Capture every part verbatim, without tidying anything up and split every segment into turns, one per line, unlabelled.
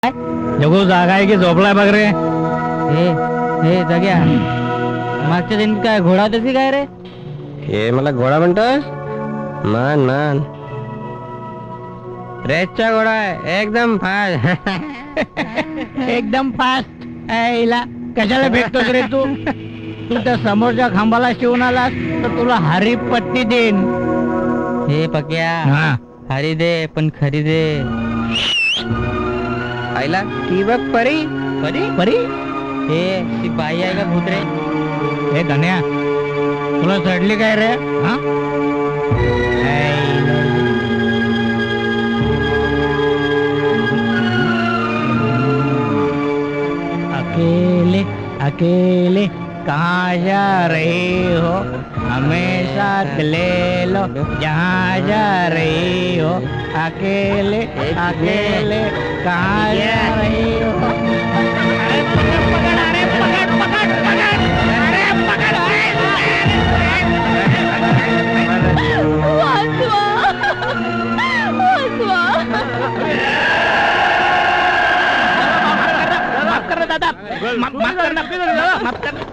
जगू जागा आहे की झोपलाय बघ रे.
हे हे जग्या मागच्या जन्मीत काय घोडा तशी काय रे?
हे मला घोडा म्हणतोस? मान मान रेसचा घोडा आहे, एकदम फास्ट.
एकदम फास्ट. आईला कशाला भेटतोस रे तू? तू त्या समोरच्या खांबाला शिवून आलास तर तुला हरी पट्टी देईन.
हे पक्या
हा
हरी दे पण खरी दे.
आईला ती बघ परी.
परी परी
हे ती बाई आहे का भूत रे?
हे धन्या तुला चढली काय रे? हा अकेले अकेले कहाँ जा रही हो, हमें साथ ले लो जहाँ जा रही हो. अकेले अकेले कहाँ जा रही हो. अरे पकड़ अरे पकड़ पकड़ पकड़ अरे पकड़. माफ कर दादा, माफ कर ना, माफ कर.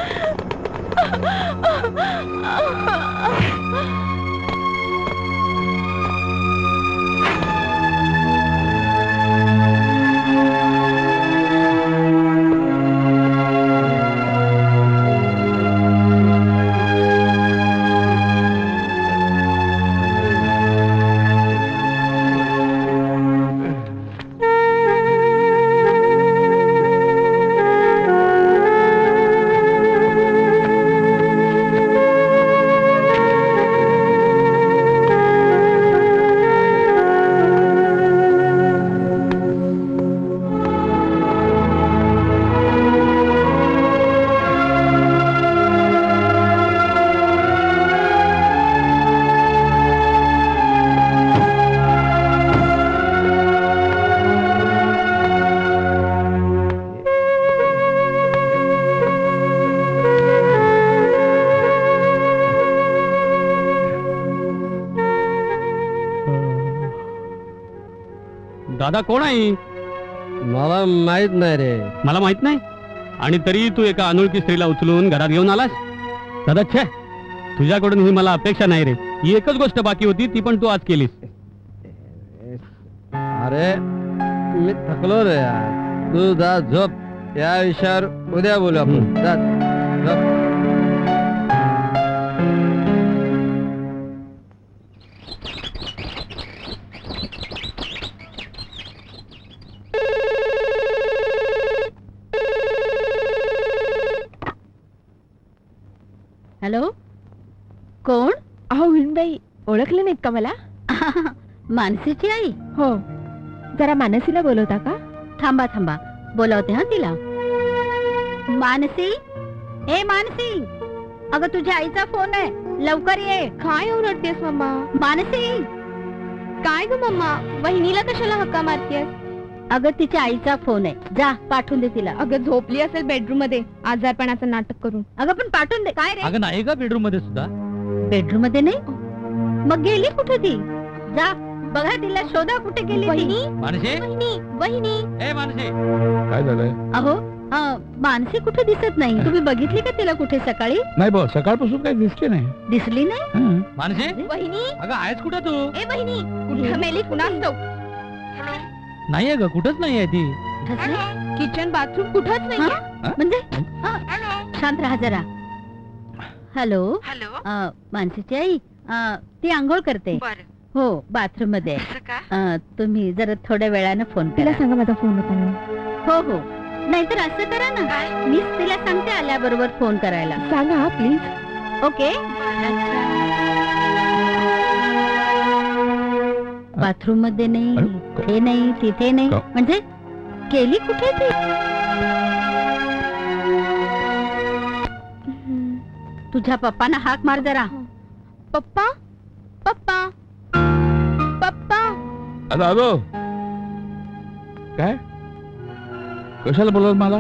दादा कोण आहे?
मला माहित नाही रे.
मला माहित नाही आणि तरी तू एका अनोळखी स्त्रीला उचलून घरात घेऊन आलास. दादा छे, तुझ्याकडून ही मला अपेक्षा नाही रे. ही एकच गोष्ट बाकी होती, ती पण तू आज केलीस.
अरे मी थकलो रे यार. तू जा झोप. या विषयावर उद्या बोलू आपण. जा झोप.
हॅलो, कोण?
अहो विणबाई, ओळखले नाहीत का मला?
मानसीची आई?
हो, जरा मानसीला बोलवता का?
थांबा थांबा, बोलावते हा तिला. मानसी, ए मानसी, अगं तुझ्या आईचा फोन आहे, लवकर ये.
काय ओरडतेस मम्मा?
मानसी,
काय ग मम्मा, वहिनीला कशाला हक्का मारतेस?
अगं तिच्या आईचा फोन आहे, जा पाठवून दे तिला.
अगं झोपली असेल बेडरूम मध्ये आजारपणाचं नाटक करून.
अगं पण पाठवून दे. काय रे,
अगं नाही का बेडरूम मध्ये सुद्धा?
बेडरूम मध्ये नाही? मग गेली कुठे ती? जा बघा तिला, शोधा कुठे गेली ती.
वहिनी,
मानसी,
वहिनी, वहिनी.
ए मानसी.
काय झालंय?
अहो अं, मानसी कुठे दिसत नाही. तुम्ही बघितली का तिला कुठे सकाळी?
नाही बा, सकाळपासून काही दिसते नाही.
दिसली नाही?
हं.
मानसी,
वहिनी,
अगं आहेस कुठं तू?
ए वहिनी, कुठं मेली कुणास ठाऊक.
नाहीये ग, कुठंच नाहीये ती.
ठसली?
किचन बाथरूम कुठंच
हा?
नाही.
म्हणजे हा, शांत राहा जरा. हॅलो,
हॅलो,
अं, मानसीची आई, अं, ती आंघोळ करते. हो, बाथरूम मध्ये. अं, तुम्ही जरा थोड्या वेळानं फोन
तिला
करा.
सांगा माझा फोन होता म्हणून.
हो हो, नाहीतर असं करा ना, मीच तिला सांगते आल्याबरोबर फोन करायला.
सांगा प्लीज.
ओके. बाथरूम मध्ये नाही,
अरे,
इथे नाही, तिथे नाही,
का?
म्हणजे गेली कुठे ती? तुझ्या पप्पांना हाक मार जरा.
पप्पा, पप्पा, पप्पा.
अरे आलो. काय कशाला बोलवलं मला?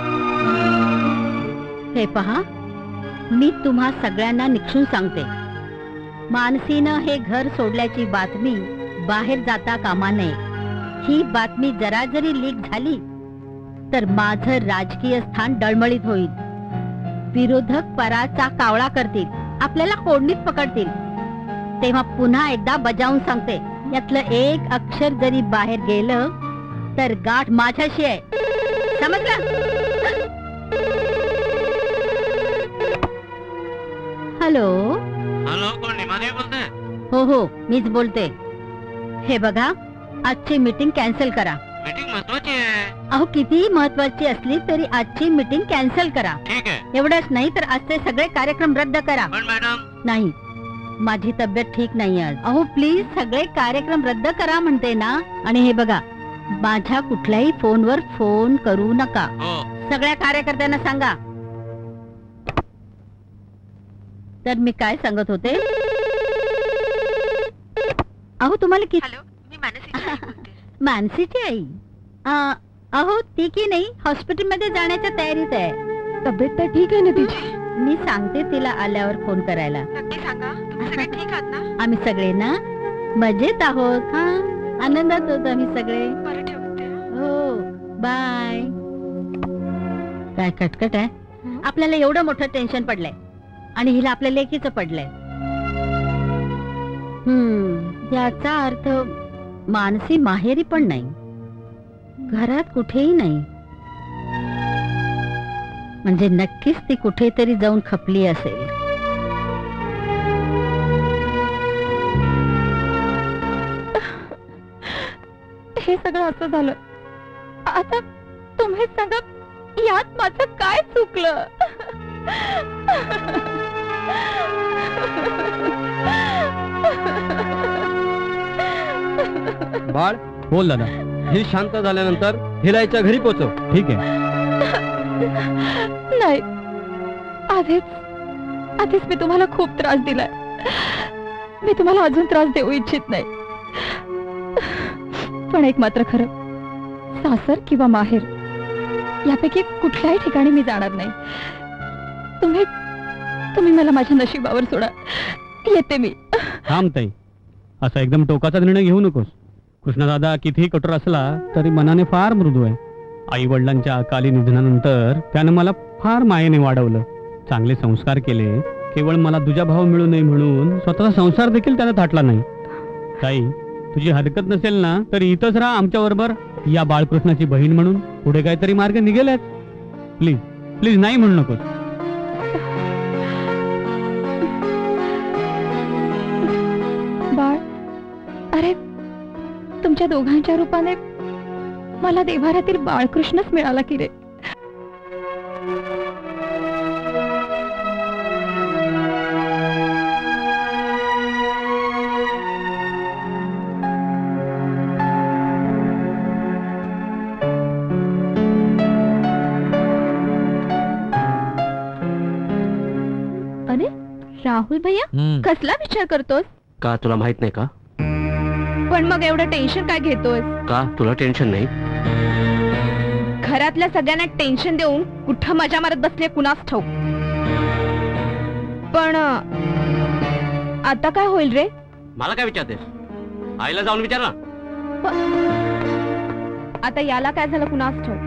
हे पहा, मी तुम्हा सगळ्यांना निक्षून सांगते, मानसीनं हे घर सोडल्याची बातमी बाहेर जाता कामा नये. ही बातमी जरा जरी लीक झाली तर माझं राजकीय स्थान डळमळीत होईल. विरोधक पराचा कावळा करतील, आपल्याला कोडणीत पकडतील. तेव्हा पुन्हा एकदा बजावून सांगते, यातलं एक अक्षर जरी बाहेर गेलं तर गाठ माझ्याशी आहे, समजलं? हॅलो
हॅलो, कोण निमादेवी बोलते?
हो हो मीच बोलते. हे बघा, आजची मीटिंग कॅन्सल करा.
मीटिंग महत्वाची आहे.
अहो कितीही महत्वाची असली तरी आजची मीटिंग कॅन्सल करा.
ठीक आहे.
एवढंच नाही तर आजचे सगळे कार्यक्रम रद्द करा.
पण मॅडम,
नाही, माझी तब्येत ठीक नाही आज. अहो प्लीज सगळे कार्यक्रम रद्द करा म्हणते ना. आणि हे बघा, माझ्या कुठल्याही फोनवर फोन करू नका.
हो.
सगळ्या कार्यकर्त्यांना सांगा. तर मी काय सांगत होते, अहो तुम्हाला किती मानसीची आई आ, अहो ती की नाही हॉस्पिटल मध्ये जाण्याच्या तयारीत आहे.
तब्येत तर ठीक आहे ना तिची?
मी सांगते तिला आल्यावर फोन करायला.
नक्की सांगा, तुम्ही सगळे ठीक आहात ना?
आम्ही सगळे ना मजेत आहोत. हा, आनंदात होत आम्ही सगळे.
बरं, ठेवते.
हो, बाय. काय कटकट आहे, आपल्याला एवढं मोठं टेन्शन पडलंय आणि हिला आपल्या लेकीचं पडलंय. हम्म याचा अर्थ मानसी माहेरी पण नाही, घरात कुठेही नाही. म्हणजे नक्कीच ती कुठेतरी जाऊन खपली असेल.
हे सगळं असं झालं, आता तुम्हीच सांगा, यात माझं काय चुकलं?
बाळ,
बोल दादा.
ही शांत झाल्यानंतर हिलाच्या घरी पोचव.
ठीक आहे.
नाही, आधीच आधीच मी तुम्हाला खूप त्रास दिलाय. मी तुम्हाला अजून त्रास देऊ इच्छित नाही. पण एक मात्र खरं, सासर किंवा माहेर यापैकी कुठल्याही ठिकाणी मी जाणार नाही. तुम्ही तुम्ही मला माझ्या नशिबावर सोडा, येते मी.
थांब ताई, असा एकदम टोकाचा निर्णय घेऊ नकोस. कृष्णदादा कितीही कठोर असला तरी मनाने फार मृदू आहे. आई वडिलांच्या अकाली निधनानंतर त्यानं मला फार मायेने वाढवलं, चांगले संस्कार केले. केवळ मला तुझा भाव मिळू नये म्हणून स्वतःचा संसार देखील त्यानं थाटला नाही. ताई, तुझी हरकत नसेल ना तर इथंच राहा आमच्या बरोबर, या बाळकृष्णाची बहीण म्हणून. पुढे काहीतरी मार्ग निघेलच. प्लीज प्लीज नाही म्हणू नकोस.
बाळ, अरे तुमच्या दोघांच्या रूपाने मला देव्हाऱ्यातील बाळकृष्णच मिळाला की रे. अरे राहुल भैया, कसला विचार करतोस?
का तुला माहित नाही का?
पण मग एवढं टेन्शन काय घेतोस?
का तुला टेन्शन नाही?
घरातल्या सगळ्यांना टेन्शन देऊन कुठं मजा मारत बसले कुणास ठाऊक. पण अं, आता काय होईल रे?
मला काय विचारतेस? आईला जाऊन विचार ना.
आता याला काय झालं कुणास ठाऊक.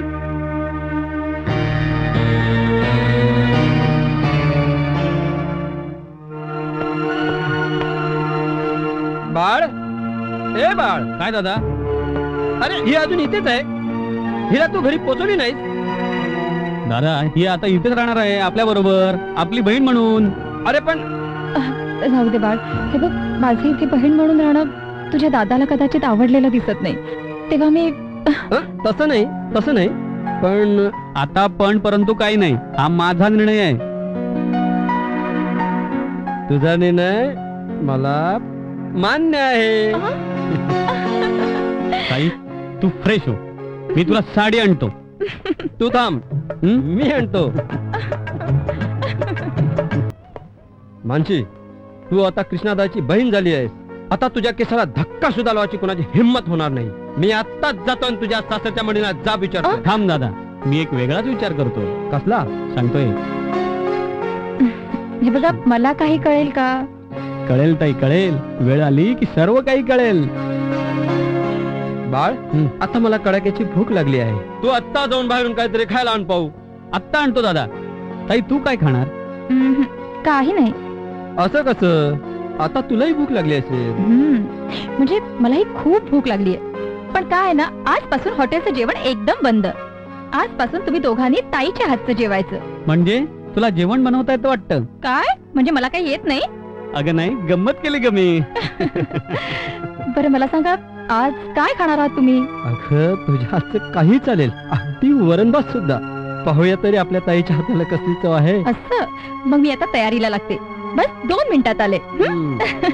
बाळ, ए बाळ,
काय दादा?
अरे ही अजून इथेच आहे. हिला तू घरी पोचवली नाहीस?
दादा, ही आता इथेच राहणार आहे आपल्या बरोबर, आपली बहीण म्हणून.
अरे पण
जाऊ दे बाळ, हे बघ, माझी इथे बहीण म्हणून राहणं तुझ्या दादाला कदाचित आवडलेलं दिसत नाही. तेव्हा मी
हं? तसं नाही, तसं नाही. पण
आता पण परंतु काही नाही, हा माझा निर्णय आहे.
तुझा निर्णय मला मान्य आहे.
ताई, तू फ्रेश हो, मी तुला साडी आणतो.
तू थांब,
हं?
मी आणतो. मानसी, तू आता कृष्णादाची बहीण झाली आहेस. आता तुझ्या केसाला धक्का सुद्धा लावायची कोणाची हिंमत होणार नाही. मी आत्ताच जातो आणि तुझ्या सासरच्या मंडळीला जा विचारतो.
थांब दादा, मी एक वेगळाच विचार करतो.
कसला?
सांगतोय.
हे बघा, मला काही कळेल का?
कळेल ताई, कळेल. वेळ आली की सर्व काही कळेल.
बाळ
हं.
आता मला कडाक्याची भूक लागली आहे तू आत्ता जाऊन बाहेरून काहीतरी खायला आण पाहू.
आत्ता आणतो दादा. ताई तू काय खाणार?
हम्म, काही नाही.
असं कसं? आता तुलाही भूक लागली असेल.
हम्म, म्हणजे मलाही खूप भूक लागली आहे. पण काय आहे ना, आजपासून हॉटेलचं जेवण एकदम बंद. आजपासून तुम्ही दोघांनी ताईच्या हातचं जेवायचं.
म्हणजे तुला जेवण बनवता येतं वाटतं?
काय म्हणजे मला काही येत नाही?
अगं नाही, गंमत केली ग मी.
बरं मला सांगा, आज काय खाणार आहात तुम्ही?
अगं तुझ्या हातचं काही चालेल, अगदी वरणभात सुद्धा. पाहूया तरी आपल्या ताईच्या हाताला कसली चव आहे.
असं? मग मी आता तयारीला लागते. बस दोन मिनिटात आले. हं?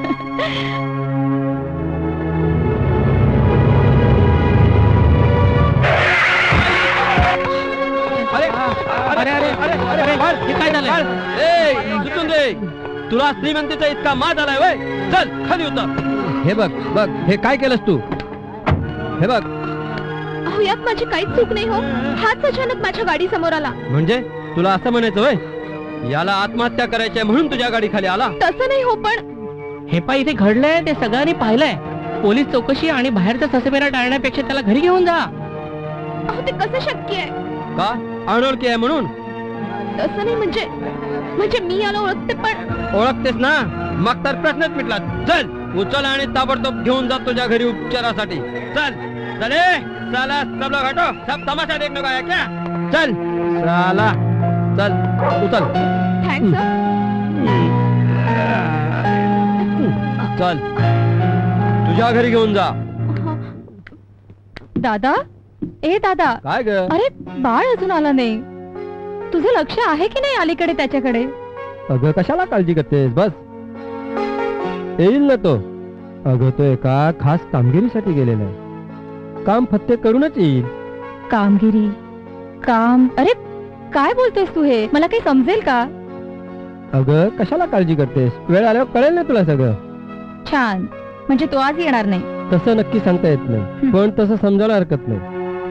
अरे अरे अरे अरे अरे बाळ,
हे काय झालंय?
बाळ, ए, सुटून दे. तुला श्रीमंतीचा इतका माज आलाय वय? चल खाली उतर. हे बघ बघ हे काय केलंस तू? हे बघ.
अहो यात माझी काहीच चूक नाही हो. हाच अचानक माझ्या गाडी समोर आला.
म्हणजे तुला असं म्हणायचं वय याला आत्महत्या करायची आहे म्हणून तुझ्या गाडी खाली आला?
तसं नाही हो, पण
हे पा इथे घडलंय ते सगळ्यांनी पाहिलंय. पोलीस चौकशी आणि बाहेरचा ससेमेरा टाळण्यापेक्षा त्याला घरी घेऊन जा.
अहो ते कसं शक्य आहे?
का अनोळखी आहे म्हणून?
तसं नाही, म्हणजे म्हणजे मी याला ओळखते पण.
ओळखतेस ना, मग तर प्रश्नच मिटला. चल उचल आणि ताबडतोब घेऊन जा तुझ्या घरी उपचारासाठी. चल चले साला सब लोग हटो, सब तमाशा देखने को आया क्या? चल साला चल उचल.
थँक्स.
चल तुझ्या घरी घेऊन जा.
दादा, ए दादा,
काय ग?
अरे बाळ अजून आला नाही. तुझं लक्ष आहे की नाही अलीकडे त्याच्याकडे?
अगं कशाला काळजी करतेस, बस येईल ना तो. अगं तो एका खास कामगिरीसाठी गेलेला आहे. काम फत्ते करूनच येईल.
कामगिरी, काम? अरे काय बोलतोयस तू हे? मला काही समजेल का?
अगं कशाला काळजी करतेस, वेळ आल्यावर कळेल ना तुला सगळं.
छान, म्हणजे तो आज येणार नाही.
तसं नक्की सांगता येत नाही,
हं.
पण तसं समजायला हरकत नाही.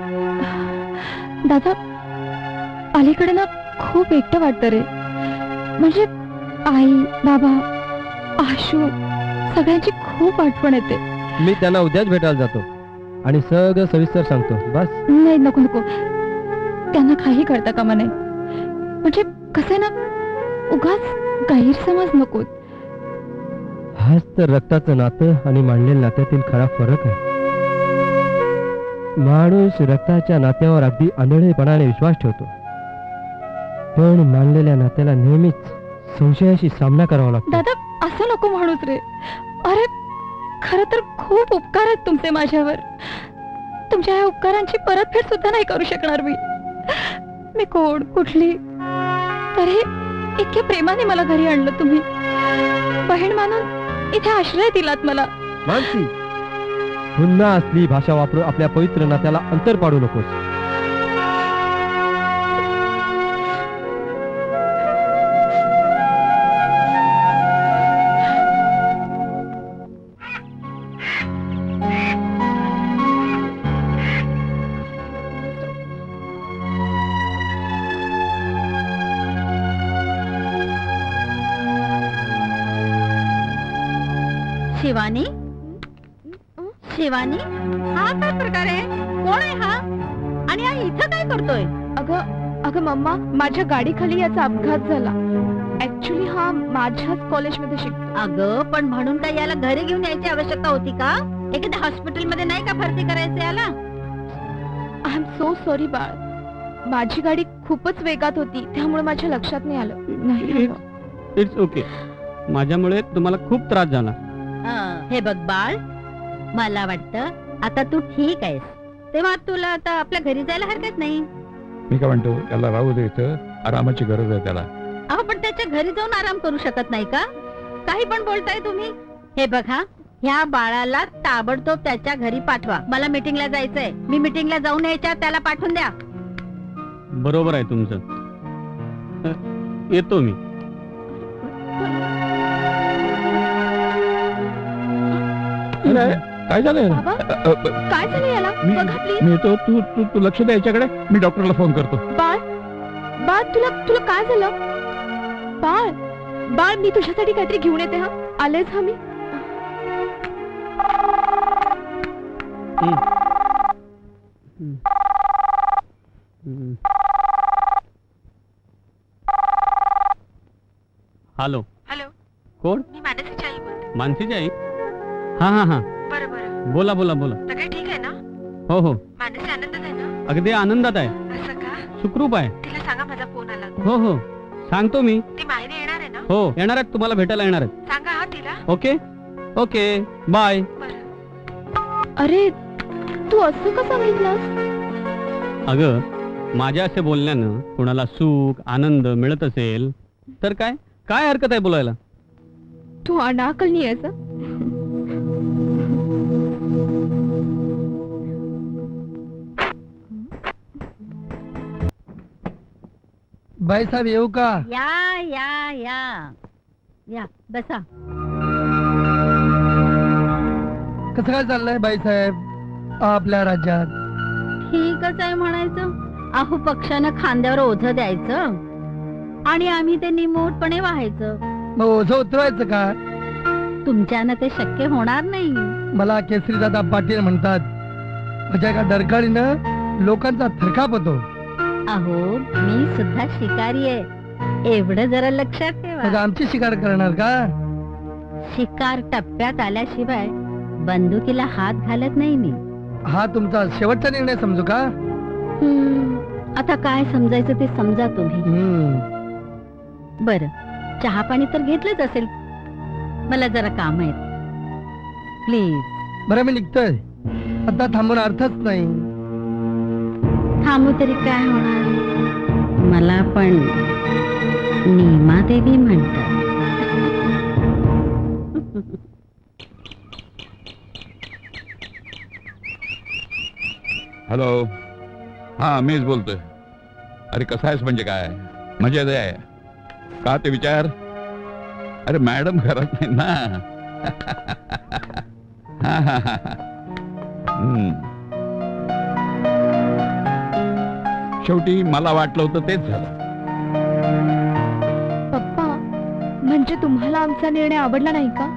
दादा, अलीकडे ना खूप एकटं वाटतं रे. म्हणजे आई, बाबा, आशू सगळ्यांची खूप आठवण येते.
मी त्यांना उद्याच भेटायला जातो आणि सगळं सविस्तर सांगतो. बस
नाही, नको नको, त्यांना काही करता कामा नाही. म्हणजे कसं आहे ना, उगाच गैरसमज नको.
हाच तर रक्ताचं नातं आणि मांडलेल्या नात्यातील खरा फरक आहे. माणूस रक्ताच्या नात्यावर अगदी आंधळेपणाने विश्वास ठेवतो, पण मानलेल्या नात्याला नेहमीच संशयाशी सामना करावा लागतो.
दादा असं नको म्हणूच रे. अरे खर तर खूप उपकार आहेत तुमचे माझ्यावर. तुमच्या या उपकारांची परतफेड सुद्धा नाही करू शकणार मी. मी कोण, कुठली, तरी इतक्या प्रेमाने मला घरी आणलं तुम्ही. बहीण मानून इथे आश्रय दिलात मला.
मानसी, पुन्हा असली भाषा वापरून आपल्या पवित्र नात्याला अंतर पाडू नकोस.
शिवानी, शिवानी, हा काय प्रकार आहे? कोण आहे हा? आणि हा इथं काय करतोय?
अगं अगं मम्मा, माझ्या गाडीखाली याचा अपघात झाला. ऍक्च्युली हा माझ्याच कॉलेजमध्ये शिकतो.
अगं पण म्हणून काय याला घरी घेऊन यायची आवश्यकता होती का? एखाद्या हॉस्पिटल मध्ये नाही का भरती करायचं याला?
आय एम सो सॉरी बाळ. माझी गाडी खूपच वेगात होती, त्यामुळे माझ्या लक्षात नाही आलं. नाही हवं.
It's okay. माझ्यामुळे तुम्हाला खूप त्रास झाला.
हं, हे बघ बाळ, मला वाटतं आता तू ठीक आहेस, तेव्हा तुला आता आपल्या घरी जायला हरकत नाही.
मी काय म्हणतो, त्याला राहू दे इथं, आरामाची गरज आहे त्याला.
अहो पण त्याच्या घरी जाऊन आराम करू शकत नाही का? काही पण बोलताय तुम्ही. हे बघा, ह्या बाळाला ताबडतोब त्याच्या घरी पाठवा. मला मीटिंगला जायचंय. मी मीटिंगला जाऊन यायच्या त्याला पाठवून द्या.
बरोबर आहे तुमचं. अ, येतो मी.
अरे, काय झालं?
बाबा,
अ, अ,
काय झालं याला?
मी
बघा प्लीज.
मी येतो, तू तू तू लक्ष द्या याच्याकडे. मी डॉक्टरला फोन करतो.
बाळ, बाळ तुला तुला काय झालं? बाळ, बाळ मी तुझ्यासाठी काहीतरी घेऊन येते. हा आलेच हा मी.
हं. हॅलो
हॅलो
कोण?
मी मानसीची आई बोलते.
मानसीची आई? हा हा हा
बरं बरं,
बोला बोला बोला.
सगळं ठीक आहे ना?
हो हो
मानसी आनंदात आहे ना?
अगदी आनंदात आहे,
असं का?
सुखरूप आहे.
तिला सांगा माझा फोन आला.
हो हो सांगतो मी.
ती माहेरी येणार आहे ना?
हो येणार आहेत, तुम्हाला भेटायला येणार आहेत.
सांगा हा तिला.
Okay okay bye.
बरं.
अरे तू असं का सांगितलंस?
अगं माझ्या असे बोलण्यानं कुणाला सुख आनंद मिळत असेल तर काय काय हरकत आहे बोलायला.
तू अनाकलनी आहेस.
बाईसाहेब येऊ का?
या या या या बसा.
कसं काय चाललंय बाईसाहेब आपल्या राज्यात?
ठीकच आहे म्हणायचं. अहो पक्षानं खांद्यावर ओझं द्यायचं आणि आम्ही ते निमूटपणे व्हायचं.
मग ओझं उतरवायचं का?
तुमच्यानं ते शक्य होणार नाही.
मला केसरीदादा पाटील म्हणतात. माझ्या एका डरकाळीनं लोकांचा थरकाप होतो.
अहो मी सुद्धा शिकारी आहे, एवढं जरा लक्षात
मग
ठेवा.
आमची शिकार करणार का?
शिकार टप्प्यात आल्याशिवाय बंदुकीला हात घालत नाही मी.
हा तुमचा शेवटचा निर्णय समजू का?
हम्म, आता काय समजायचं ते समजा तुम्ही.
हम्म.
बर चहा पाणी तर घेतलंच असेल. मला जरा काम आहेत, प्लीज.
बरं मी निघतोय, आता थांबून अर्थच नाही.
थांबू तरी काय होणार? मला पण नीमा देवी म्हणतात.
हॅलो, हा मीच बोलतोय. अरे कसा आहेस म्हणजे काय? मजेत आहे का ते विचार? अरे मॅडम घरात नाही ना. हा हा हा हम्म. शेवटी मला वाटलं होतं तेच झालं.
पप्पा, म्हणजे तुम्हाला आमचा निर्णय आवडला नाही का?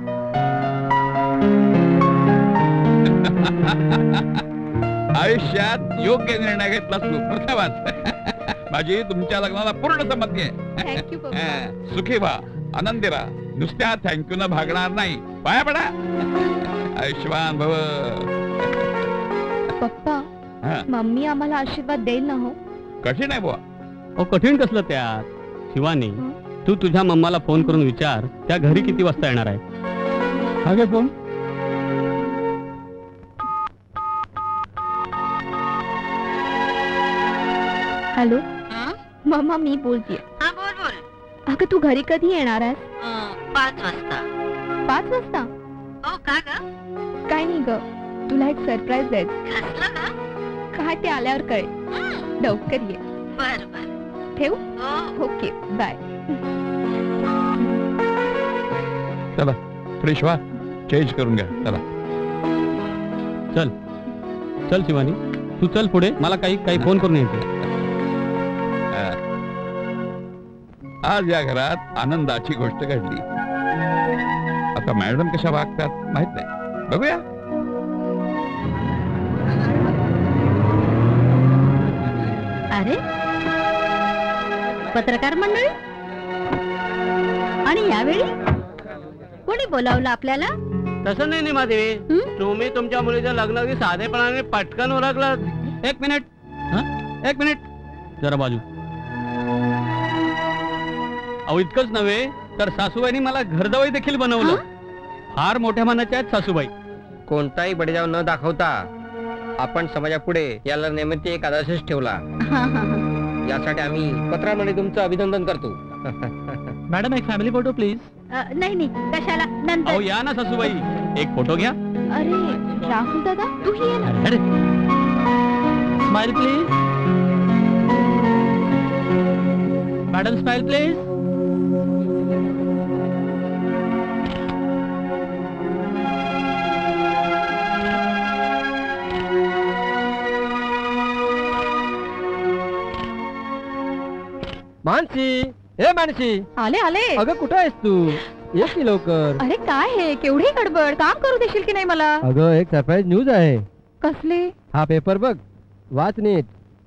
आयुष्यात योग्य निर्णय घेतला तू. प्रथमच माझी तुमच्या लग्नाला पूर्ण संमती आहे.
थँक्यू पप्पा.
हा, सुखी व्हा, आनंदी राहा. नुसत्या थँक्यू न भागणार नाही. पाया पडा. आयुष्यवान भव.
पप्पा,
हा,
मम्मी आम्हाला आशीर्वाद देईल ना? हो.
कठीण आहे बुवा.
ओ कठीण कसलं त्यात? शिवानी तू तुझ्या मम्माला फोन करून विचार त्या घरी किती वाजता येणार आहे.
हा घे फोन.
हॅलो मम्मा, मी बोलतीये.
हा बोल बोल.
अगं तू घरी कधी येणार आहेस?
पाच वाजता.
पाच वाजता?
हो का ग?
काय नाही ग, तुला एक सरप्राईज द्यायचं.
कसलं का?
काय ते आल्यावर कळेल. लवकर ये.
बर बर.
ठेवू?
हो.
Okay bye.
चला फ्रेश व्हा, चेंज करून घ्या. चला
चल चल शिवानी तू चल पुढे, मला काही काही फोन करून यायचे.
आज या घरात आनंदाची गोष्ट घडली. आता मॅडम कशा वागतात माहित नाही, बघूया.
अरे पत्रकार मंडळी, आणि यावेळी कोणी बोलावलं आपल्याला?
तसं नाही निमादेवी,
हं?
तुम्ही तुमच्या मुलीचं लग्न अगदी साधेपणाने पटकन ओळखलं.
एक मिनिट हा एक मिनिट जरा बाजू. अहो इतकंच नव्हे तर सासूबाईंनी मला घरजावई देखील बनवलं. फार मोठ्या मनाच्या आहेत सासूबाई.
कोणताही बडेजाव न दाखवता आपण समाजापुढे याला नेहमी एक आदर्शच ठेवला.
हा, हा, हा.
यासाठी आम्ही पत्रामध्ये तुमचं अभिनंदन करतो.
मॅडम एक फॅमिली फोटो प्लीज.
अ, नाही नाही कशाला,
अहो
नंतर.
या ना सासूबाई, एक फोटो घ्या.
अरे राहुल दादा, तू ही ये ना.
Smile please. Madam smile please.
Mansi, हे मानसी,
आले आले.
अगं कुठं आहेस तू? ये की लवकर.
अरे काय हे, केवढी गडबड. काम करू देशील की नाही मला?
अगं एक सरप्राईज न्यूज आहे.
कसली?
हा पेपर बघ. वाच नीट.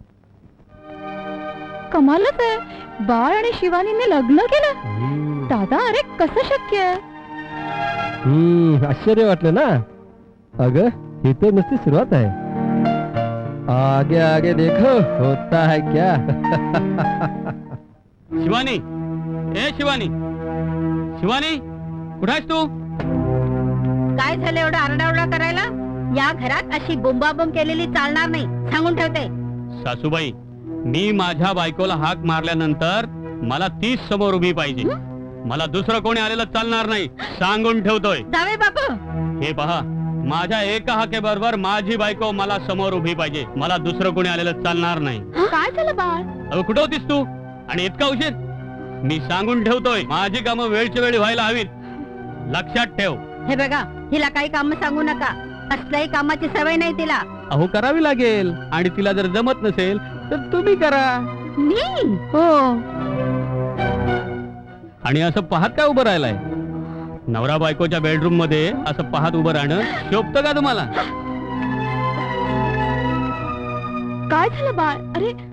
कमालच आहे, बाळ आणि शिवानीने लग्न केलं. दादा, अरे कसं शक्य आहे?
हम्म आश्चर्य वाटलं ना. अगं ही तर नुसती सुरुवात आहे. आगे आगे देखो होता है क्या.
शिवानी, ए शिवानी, शिवानी, कुठं आहेस तू?
काय झालं एवढं आरडाओरडा करायला? या घरात अशी बोंबाबोंब केलेली चालणार नाही, सांगून ठेवते.
सासूबाई, मी माझ्या बायकोला हाक मारल्यानंतर मला तीच समोर उभी पाहिजे. मला दुसरं कोणी आलेलं चालणार नाही, सांगून ठेवतोय.
जावे बापू,
हे पहा, माझ्या एका हाकेबरोबर माझी बायको मला समोर उभी पाहिजे. मला दुसरं कोणी आलेलं चालणार नाही.
काय झालं बाळ?
अगं कुठं होतीस तू आणि इतका उशीर? मी सांगून ठेवतोय, माझी कामं वेळच्या वेळी व्हायला हवीत, लक्षात ठेव.
हे बघा, हिला काही काम सांगू नका. असल्याही कामाची सवय नाही तिला.
अहो करावी लागेल, आणि तिला जर जमत नसेल तर तुम्ही करा.
मी
हो,
आणि असं पाहत काय उभं राहिलाय? नवरा बायकोच्या बेडरूम मध्ये असं पाहत उभं राहणं शोभतं का तुम्हाला?
काय झालं बाळ? अरे